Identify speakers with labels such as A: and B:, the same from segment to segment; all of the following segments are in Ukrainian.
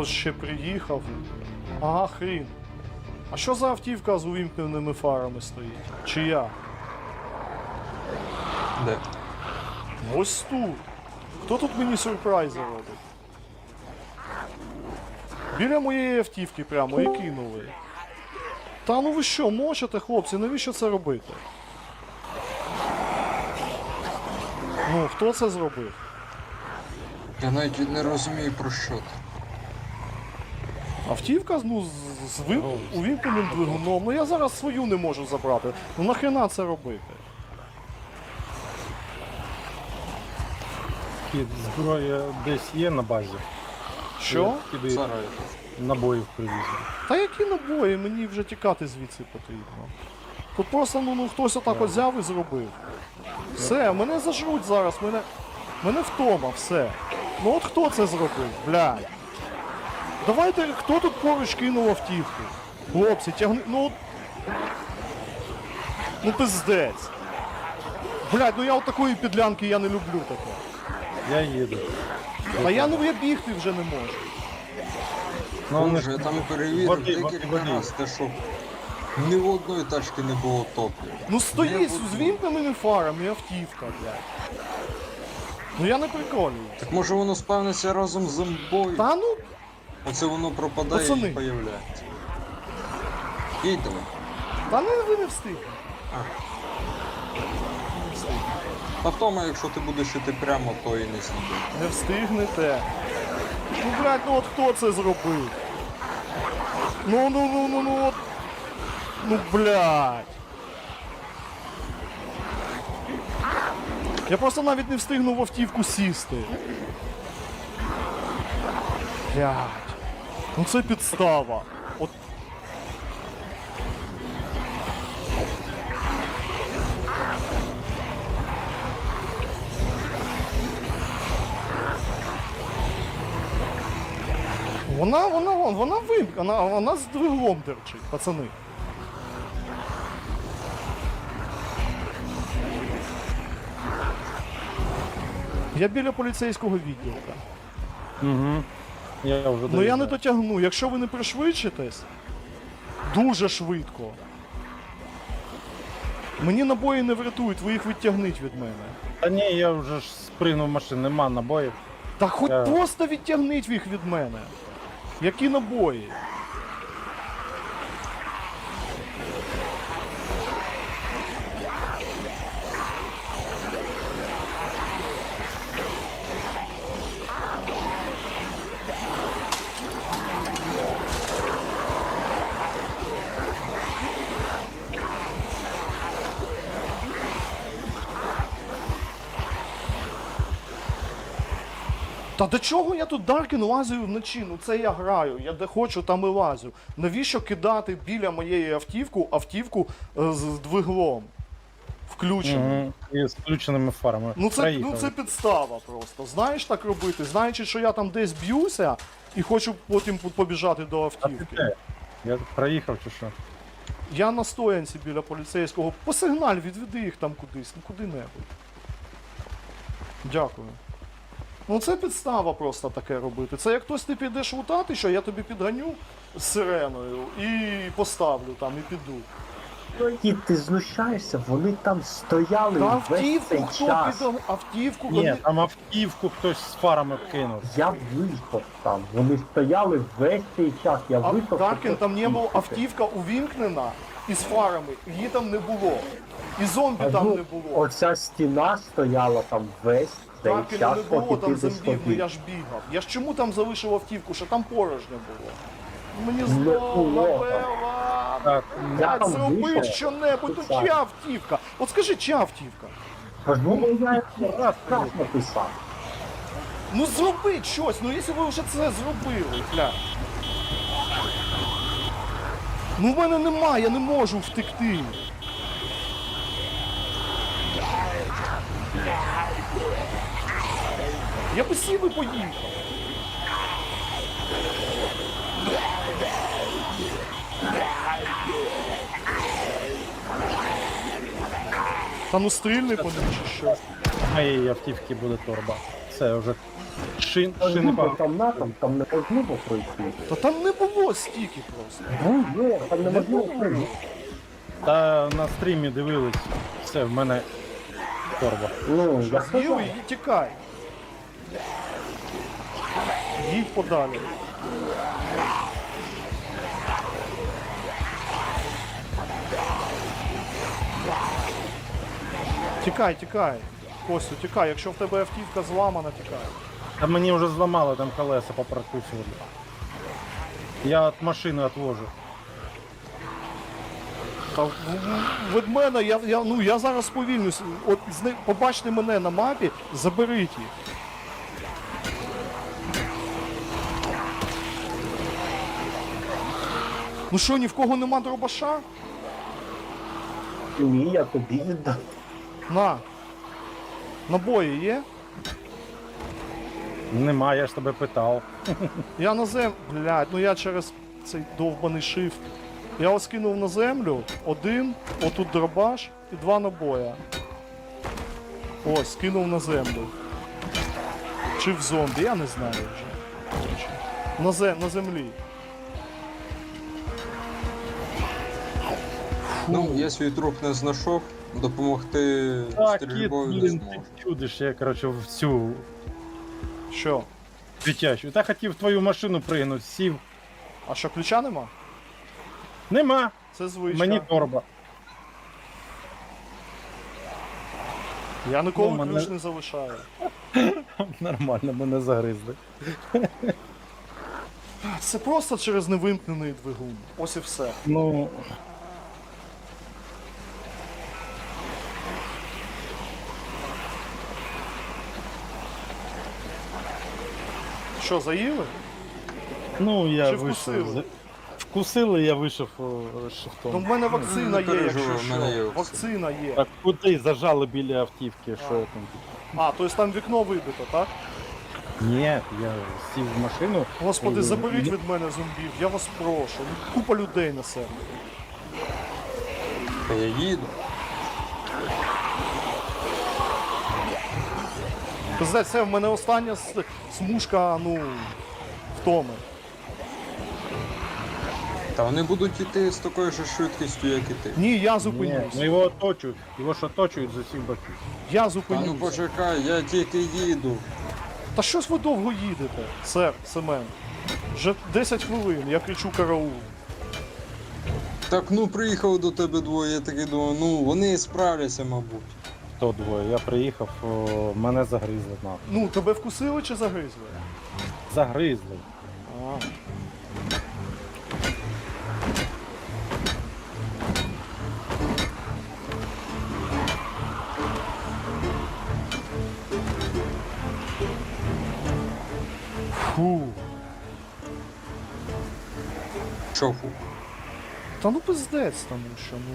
A: Хтось ще приїхав. Ага, хрін. А що за автівка з увімкненими фарами стоїть? Чия?
B: Де?
A: Ось тут. Хто тут мені сюрпризи робить? Біля моєї автівки прямо і кинули. Та ну ви що, мочите, хлопці, навіщо це робити? Ну, хто це зробив?
B: Я навіть не розумію, про що ти.
A: Автівка, ну, з увімкненим двигуном. Ну я зараз свою не можу забрати. Ну нахрена це робити?
C: Кіт, зброя десь є на базі.
A: Що?
C: Тобі
B: Зараз.
C: набоїв привізли.
A: Та які набої, мені вже тікати звідси потрібно. Тут просто ну хтось отак от взяв і зробив. Все, мене зажруть зараз, мене втома, все. Ну от хто це зробив, блядь? Давайте, хто тут поруч кинув автівку? Хлопці, тягни, ну от... Ну пиздець. Блядь, ну я от такої підлянки я не люблю таке.
C: Я їду.
A: А я бігти вже не можу.
C: Ну, вони
B: Боже, я там перевірив
C: води,
B: декілька
C: води.
B: разів, те що ні в одної тачки не було топлива.
A: Ну стоїть
B: Не
A: з
B: в
A: вімкненими фарами автівка, блядь. Ну я не приколюю.
B: Так може воно спавниться разом з зомбою?
A: Та ну,
B: Оце воно пропадає
A: Пацани.
B: і появляється. Їдемо.
A: та не ви не встигнете.
B: А втома, якщо ти будеш іти прямо, то і не знайдеш.
A: Не встигнете. Ну, блядь, ну от хто це зробив? Ну, от. Ну, блядь. Я просто навіть не встигну в автівку сісти. Блядь. Ну це підстава. От. Вона вимкнена, вона з двигуном дерчить, пацани. Я біля поліцейського відділка.
C: Угу. Я вже
A: Ну я
C: доїжджаю.
A: не дотягну. Якщо ви не пришвидшитесь, дуже швидко. Мені набої не врятують, ви їх відтягніть від мене.
C: Та ні, я вже ж спригнув машин, нема набоїв.
A: Та хоч
C: Я-
A: просто відтягніть їх від мене. Які набої? Та до чого я тут Даркін лазю вночі? Ну це я граю, я де хочу, там і лазю. Навіщо кидати біля моєї автівку з двиглом? Включеним.
C: Угу. І з включеними фарами.
A: Ну
C: Проїхали.
A: це підстава просто. Знаєш так робити, знаючи, що я там десь б'юся і хочу потім побіжати до
C: А ти
A: автівки.
C: де? Я проїхав чи що?
A: Я на стоянці біля поліцейського. Посигналь, відведи їх там кудись, ну куди-небудь. Дякую. Ну це підстава просто таке робити. Це як хтось ти підеш лутати, що я тобі підганю з сиреною і поставлю там, і піду.
D: Кіт, ти знущаєшся, вони там стояли
A: Та
D: весь
A: автівку
D: цей
A: хто
D: час.
A: піде? Автівку
C: Ні,
A: вони...
C: там автівку хтось з фарами кинув.
D: Я виїхав там, вони стояли весь цей час, я
A: А
D: виїхав.
A: Даркін, там не було,
D: автівка.
A: автівка увімкнена із фарами, її там не було. І зомбі там не було.
D: Оця стіна стояла там весь цей
A: Даркіна
D: час,
A: не було,
D: поки
A: там
D: ти десь
A: зомбів, ну
D: ходив.
A: я ж бігав. Я ж чому там залишив автівку, що там порожньо було? Мені
D: Не
A: знову,
D: було там.
A: Лавела,
C: Так,
D: Я
A: блядь,
D: там
A: зроби
D: вийшов,
A: що-небудь, ну
D: спеціально.
A: чия автівка? От скажи, чия автівка?
D: Ну, я раз написав.
A: Ну зробіть щось, ну якщо ви вже це зробили, бля. Ну в мене немає, я не можу втекти. Я би сів і поїхав. Та ну стрільни по ним чи що.
C: в моєї автівки буде торба. Це вже Шини пар.
D: Там натом, там неможливо пройти.
A: Та там не було стільки просто.
D: Ні, там неможливо пройти.
C: Та на стрімі дивились. Все, в мене торба.
D: Ну, я
A: З'їв
D: сказав.
A: і тікай. Їдь подалі. Тікай, тікай. Костю, тікай. Якщо в тебе автівка зламана, тікай.
C: Та мені вже зламали там колеса попрокусували. Я від машини відвожу.
A: Та від мене, я зараз сповільнюсь. От побачте мене на мапі, заберіть їх. Ну що, ні в кого нема дробаша?
D: Ні, я тобі віддав.
A: На. Набої є?
C: Нема, я ж тебе питав.
A: Я на землю. Блядь, ну я через цей довбаний шифт. Я ось кинув на землю один, отут дробаш і 2 набоя. Ось, кинув на землю. Чи в зомбі, я не знаю вже. На землі.
B: Ну, я свій труп не знайшов, допомогти
C: Так, кіт,
B: стрільбою не
C: блін,
B: зможу.
C: ти чудиш, я, коротше, в цю
A: Що?
C: дитячу. Та хотів в твою машину пригнути, сів.
A: А що, ключа нема?
C: Нема,
A: Це звичка.
C: мені торба.
A: Я ніколи
C: Ну, мене-
A: ключ не залишаю.
C: Нормально, мене загризли.
A: Це просто через невимкнений двигун. Ось і все.
C: Ну,
A: Що, заїли?
C: ну я
A: Чи
C: вийшов.
A: вкусили?
C: Вкусили, я вийшов
A: Ну
C: шифтом.
A: в мене вакцина
B: не
A: є,
B: переживай,
A: якщо
B: в мене є
A: що.
B: вакцина.
A: Вакцина є.
C: Так куди зажали біля автівки, що я там?
A: А, тобто там вікно вибито, так?
C: Ні, я сів в машину.
A: Господи, заберіть від мене зомбів, я вас прошу. Купа людей на себе.
B: Та я їду.
A: Пиздець, це в мене остання смужка, ну, втоми.
B: Та вони будуть йти з такою ж швидкістю, як і ти.
A: Ні, я
C: Ні,
A: зупинюсь.
C: ну його оточують. Його ж оточують з усіх боків.
A: Я
B: Та ну
A: зупинюсь.
B: почекай, я тільки їду.
A: Та щось ви довго їдете, сер, Семен. Вже 10 хвилин, я кричу караул.
B: Так ну приїхали до тебе двоє, я такий думаю, ну вони справляться, мабуть.
C: То двоє. Я приїхав, мене загризли нахуй.
A: Ну, тебе вкусили чи загризли?
C: Загризли.
A: А. Фу.
B: Що фу?
A: Та ну пиздець, тому що, ну.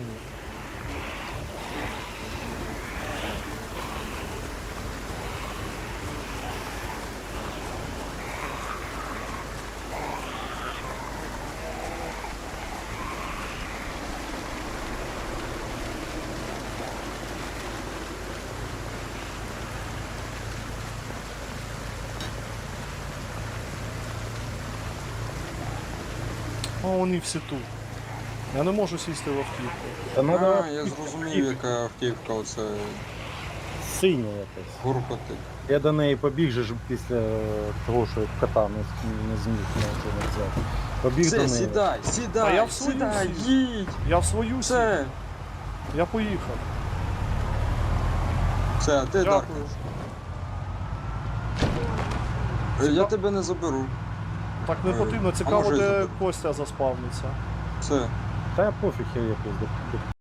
A: О, вони всі тут. Я не можу сісти в автівку.
C: Та надо
B: А, я зрозумів, яка автівка оце
C: синя якась.
B: гуркотить.
C: Я до неї побіг же ж після того, що кота не зміг нічого не взяти. Побіг до
B: Все,
C: неї.
B: сідай,
A: А я
B: сідай,
A: в свою
B: сідай,
A: сів.
B: їдь!
A: Я в свою сів.
B: Все,
A: Я поїхав.
B: все, а ти
A: Дякую.
B: так. Я тебе не заберу.
A: Так не
B: Е,
A: потрібно,
B: а
A: цікаво,
B: може,
A: де
B: заб-
A: Костя заспавниться.
B: Все.
C: Та пофіг я якось